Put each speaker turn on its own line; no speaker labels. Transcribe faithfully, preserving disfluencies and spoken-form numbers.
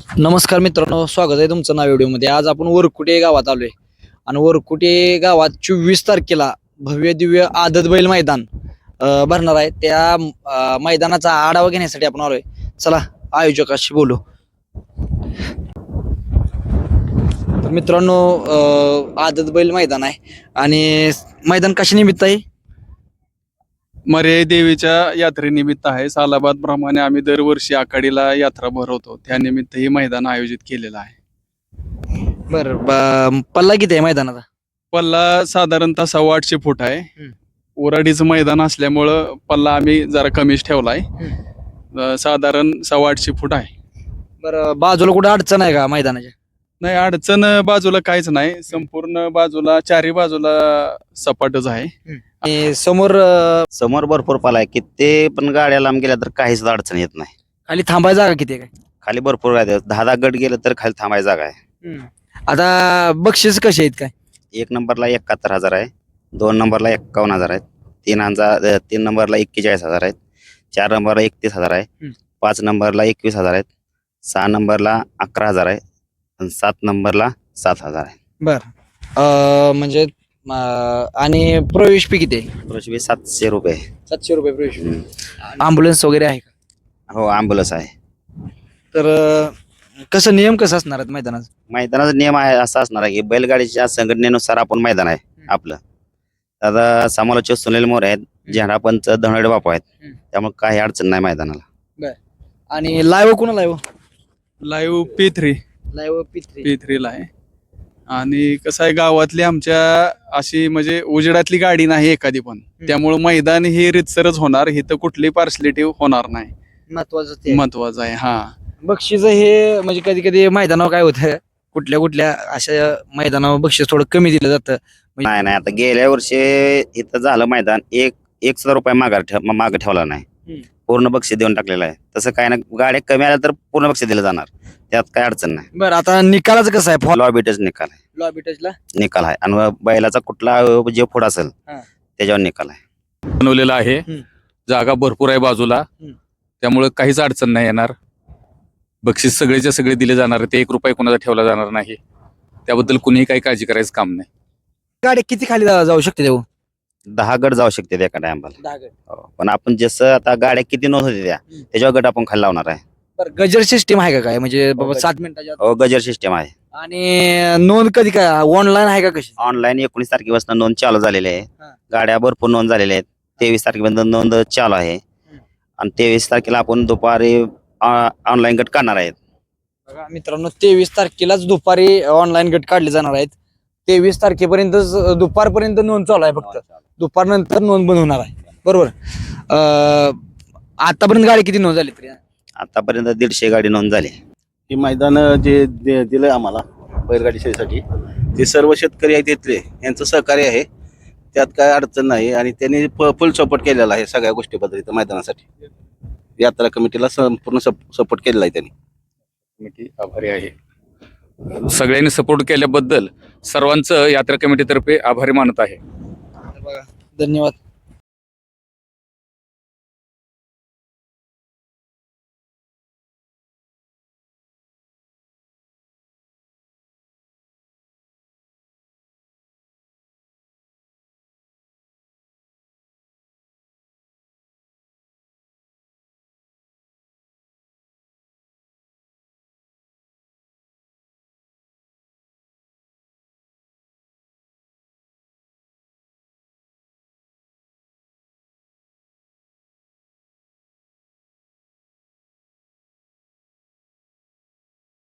नमस्कार मित्रांनो, स्वागत आहे तुमचं नाव व्हिडिओमध्ये। आज आपण वरकुटे गावात आलोय आणि वरकुटे गावात चोवीस तारखेला भव्य दिव्य आदत बैल मैदान अं, भरणार आहे। त्या अं, मैदानाचा आढावा घेण्यासाठी आपण आलोय। चला आयोजकाशी बोलू। तर मित्रांनो, अं, आदत बैल मैदान आहे आणि मैदान कशा निमित्त आहे?
मर्याई देवीच्या यात्रेनिमित्त आहे। सालाबाद प्रमाणे आम्ही दरवर्षी आखाडीला यात्रा भरवतो, त्यानिमित्त हे मैदान आयोजित केलेलं आहे।
बर, पल्ला किती आहे मैदानाचा?
पल्ला साधारणतः सव्वा आठशे फूट आहे।
हम्म.
उराडीचं मैदान असल्यामुळं पल्ला आम्ही जरा कमीच ठेवलाय। अं, साधारण सव्वा आठशे फूट आहे।
बरं, बाजूला कुठे अडचण आहे का मैदानाच्या?
नाही, अडचण बाजूला काहीच नाही। संपूर्ण बाजूला चारी बाजूला सपाटच आहे।
आणि समोर अं,
समोर भरपूर पाला आहे, किती पण गाड्या लांब गेल्या तर काहीच अडचण येत नाही।
खाली थांबायची जागा किती आहे काय?
खाली भरपूर आहे, दहा दहा गट गेलं तर खाली थांबायची जागा आहे।
आता बक्षीस कसे आहेत काय?
एक नंबरला एकाहत्तर हजार आहे, दोन नंबरला एक्कावन्न हजार आहेत, तीन हजार अं, तीन नंबरला एक्केचाळीस हजार आहेत, चार नंबरला एकतीस हजार आहे,
हम्म.
पाच नंबरला एकवीस हजार आहेत, सहा नंबरला अकरा हजार आहे आणि सात नंबरला सात हजार आहे।
बर, अं, म्हणजे अं, आणि प्रवेश फी किती आहे?
प्रवेश सातशे रुपये।
सातशे रुपये प्रवेश
हम्म.
अँब्युलन्स वगैरे आहे का?
हो, ॲम्ब्युलन्स आहे।
तर अं, कसं नियम कसं असणार आहे मैदानाचा?
मैदानाचा नियम आहे असा असणार आहे की बैलगाडीच्या संघटनेनुसार आपण मैदान आहे आपलं। आता समालोचक सुनील मोरे आहेत, झेंडापंच धनवडे बापू आहेत,
हम्म.
त्यामुळे काही अडचण नाही मैदानाला।
आणि लाईव्ह कोणा live?
Live P three
live P three.
P थ्रीला आहे। आणि कसं आहे, गावातली आमच्या अशी म्हणजे उजेडातली गाडी नाही एखादी पण, त्यामुळे मैदान हे रितसरच होणार, इथं कुठली पार्सलिटी होणार नाही।
महत्वाचं ते आहे.
महत्वाचं आहे। हा,
बक्षीस हे म्हणजे कधी कधी मैदानावर काय होतं, कुठल्या कुठल्या अशा मैदानावर बक्षीस थोडं कमी दिलं जातं।
नाही नाही, आता गेल्या वर्षी इथं झालं मैदान, एक एक सुद्धा रुपये माघार ठेव मागे ठेवला नाही,
हम्म.
पूर्ण बक्षीस देऊन टाकलेलं आहे। तसं काय ना, गाड्या कमी आल्या तर पूर्ण बक्षीस दिलं जाणार, त्यात काय अडचण नाही।
बरं, आता निकालाचं कसं आहे? फॉल
लॉबीटच निकाल आहे,
लॉबी टचला
निकाल आहे आणि बैलाचा कुठला जे पुढं असेल
हा.
त्याच्यावर निकाल आहे।
बनवलेला आहे।
हम्म.
जागा भरपूर आहे बाजूला,
हम्म. त्यामुळे
त्यामुळे काहीच अडचण नाही येणार। बक्षीस सगळेच्या सगळे दिले जाणार, ते एक रुपये कोणाचा ठेवला जाणार नाही, त्याबद्दल कुणीही काही काळजी करायचं काम नाही।
गाडी किती खाली जा- जाऊ शकते देऊ?
दहा गट जाऊ शकते एका टायमाला।
दहा गट.
हो, पण आपण जसं आता गाड्या किती नोंद होते त्या
हम्म.
त्याच्यावर गट आपण खाली लावणार आहे।
बरं, गजर सिस्टीम आहे का काय? म्हणजे बाबा
गजर.
सात मिनिटाच्या आत?
हो, गजर सिस्टम आहे।
आणि नोंद कधी काय ऑनलाईन आहे का कशी?
ऑनलाईन एकोणीस तारखेपासून नोंद चालू झालेली आहे।
हा.
गाड्या भरपूर नोंद झालेल्या आहेत। तेवीस तारखेपर्यंत नोंद चालू आहे आणि तेवीस तारखेला आपण दुपारी ऑनलाईन गट काढणार आहेत।
बघा मित्रांनो, तेवीस तारखेलाच दुपारी ऑनलाईन गट काढले जाणार आहेत। तेवीस तारखेपर्यंत दुपारपर्यंत नोंद चालू आहे, फक्त दुपारनंतर नोंद बंद होणार आहे। बरोबर. अं, आतापर्यंत गाडी किती नोंद झाली तरी?
आतापर्यंत दीडशे गाडी नोंद झाली।
हे मैदान जे दे- दिलंय आम्हाला बैलगाडी शर्यतीसाठी, ते सर्व शेतकरी आहेत तिथले, यांचं सहकार्य आहे, त्यात काय अडचण नाही। आणि त्यांनी फुल सपोर्ट केलेला आहे सगळ्या गोष्टीबद्दल इथं मैदानासाठी। यात्रा कमिटीला संपूर्ण सपोर्ट केलेला आहे त्यांनी।
कमिटी आभारी आहे, सगळ्यांनी सपोर्ट केल्याबद्दल सर्वांचं यात्रा कमिटीतर्फे आभारी मानत आहे।
बघा, धन्यवाद.